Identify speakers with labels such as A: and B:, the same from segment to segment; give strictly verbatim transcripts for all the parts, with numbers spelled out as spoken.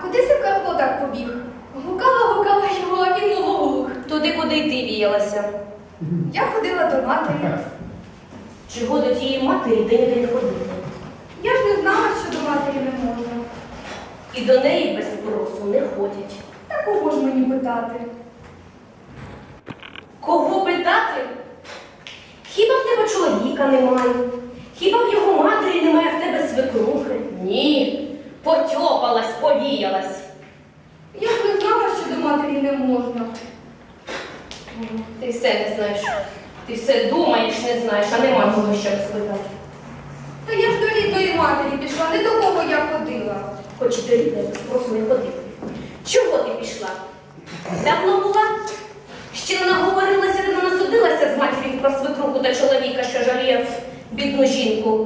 A: куди це Карпо так побіг? Гукала, гукала його, а він мов оглух.
B: Туди, куди й ти віялася.
A: Я ходила до матері.
B: Чого до тієї матері день-день ходити?
A: Я ж не знала, що до матері не можна.
B: І до неї без спросу не ходять.
A: Та кого ж мені питати?
B: Кого питати? Хіба в тебе чоловіка немає? Хіба в його матері немає в тебе свекрухи? Ні. Потьопалась, повіялась.
A: Я ж не знала, що до матері не можна.
B: Ти все не знаєш. Ти все думаєш, не знаєш, а нема кого щоб спитати.
A: Та я ж до рідної матері пішла, не до кого я ходила.
B: Хоч і до рідної без спросу не ходив. Чого ти пішла? Давно була? Ще не наговорилася, ти не насудилася з матір'ю про свекруху та чоловіка, що жаліє бідну жінку.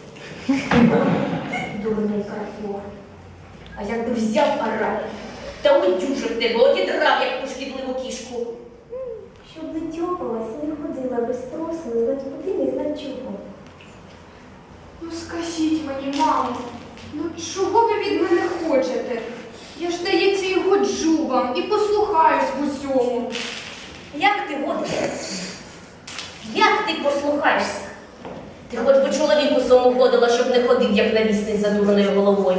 B: Дурний Карпо. А якби взяв араб та удюжив тебе, одідрав, як ту шкідливу кішку.
C: Щоб не тьопалась, не ходила без спросу, не знать куди, не знать чого.
A: Ну скажіть мені, мамо, ну чого ви від мене хочете? Я ж, здається, і годжу вам, і послухаюсь в усьому.
B: Як ти годишся? Як ти послухаєшся? Ти хоч би чоловіку своєму годила, щоб не ходив, як навісний за дурною головою.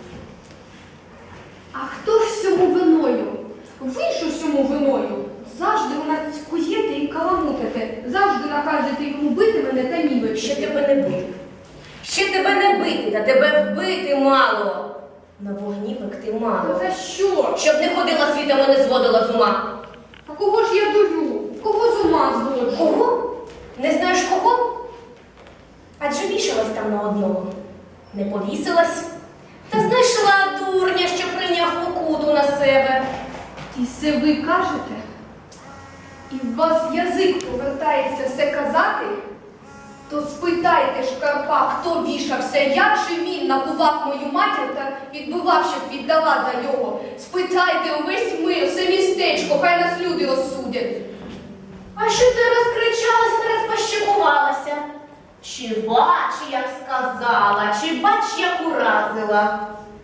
A: А хто ж всьому виною? Ви ж усьому виною. Завжди у нас куєте і каламутите. Завжди наказуєте йому бити мене та
B: Ще
A: нівечити.
B: тебе не бити. Ще тебе не бити, та тебе вбити мало. На вогні пекти мало.
A: За що?
B: Щоб не ходила світом і не зводила з ума.
A: А кого ж я дурю? Кого з ума зводжу?
B: Кого? Не знаєш кого? Адже вішалась там на одного. Не повісилась. Та знайшла дурня, що прийняв покуту на себе.
A: І це ви кажете? І в вас язик повертається все казати? То спитайте ж Карпа, хто вішався, як же він набував мою матір та відбивав, щоб віддала за нього. Спитайте увесь мир, все містечко, хай нас люди розсудять.
B: А що ти розкричалася та розпощекувалася? Чи бач, як сказала, чи бач, як уразила?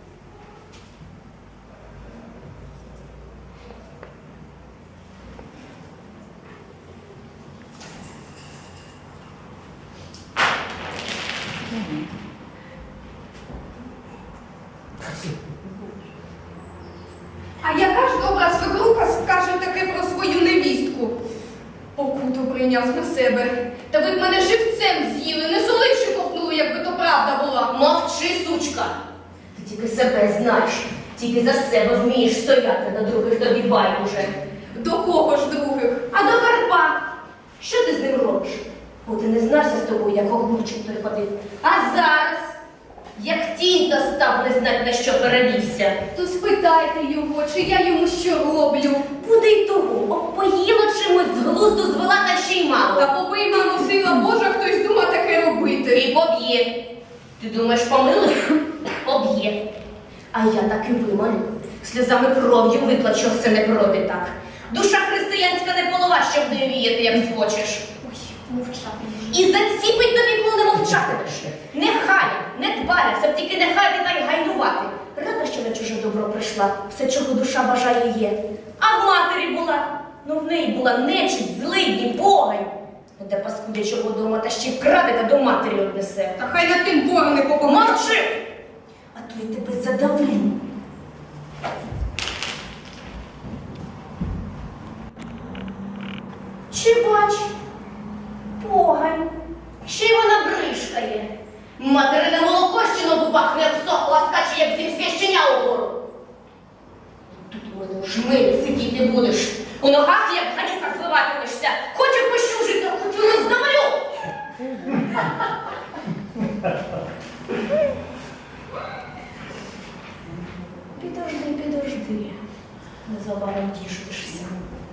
A: А яка ж добра свекруха скаже таке про свою невістку? Покуту прийняв на себе. Та ви б мене живцем з'їли, не соливши ковтнули, якби то правда була.
B: Мовчи, сучка. Ти тільки себе знаєш, тільки за себе вмієш стояти, на других тобі байдуже.
A: До кого ж других?
B: А до Карпа, що ти з ним робиш? Бо ти не знався з тобою, як оглучик той ходив. А зараз, як тінь то став, не знать, на що перевівся.
A: То спитайте його, чи я йому що роблю.
B: Буде й того, обпоїла чимось, з глузду звела та ще й мало.
A: Та побий, мамо, сила Божа, хтось дума таке робити.
B: І поб'є. Ти думаєш, помилуєш? Поб'є. А я так і вимолю. Сльозами кров'ю виплачу, все не пройде так. Душа християнська не полова, щоб не віяти, як схочеш.
A: Ой, мовчати.
B: І заціпить тобі, коли не мовчатимеш. Нехай, не дбаля, все б тільки нехай ти та й гайнувати. Рада, що на чуже добро прийшла, все, чого душа бажає є. А в матері була, ну в неї була нечисть, злидні, погань. Де паскудячого дома та ще вкраде та до матері однесе.
A: Та хай над тим ворони попомогли.
B: Мовчи! А то я тебе задавлю. Чи бач? Погань. Ще й вона бришкає. Материне молоко ще на губах не обсохло, а скаче, як зім священя угору. Тут у мене у жмилі сидіти будеш. У ногах, як гадюка, звиватимешся. Хочу пощужити, а хочу роздавлю. Підожди, підожди. Незабаром тішишся.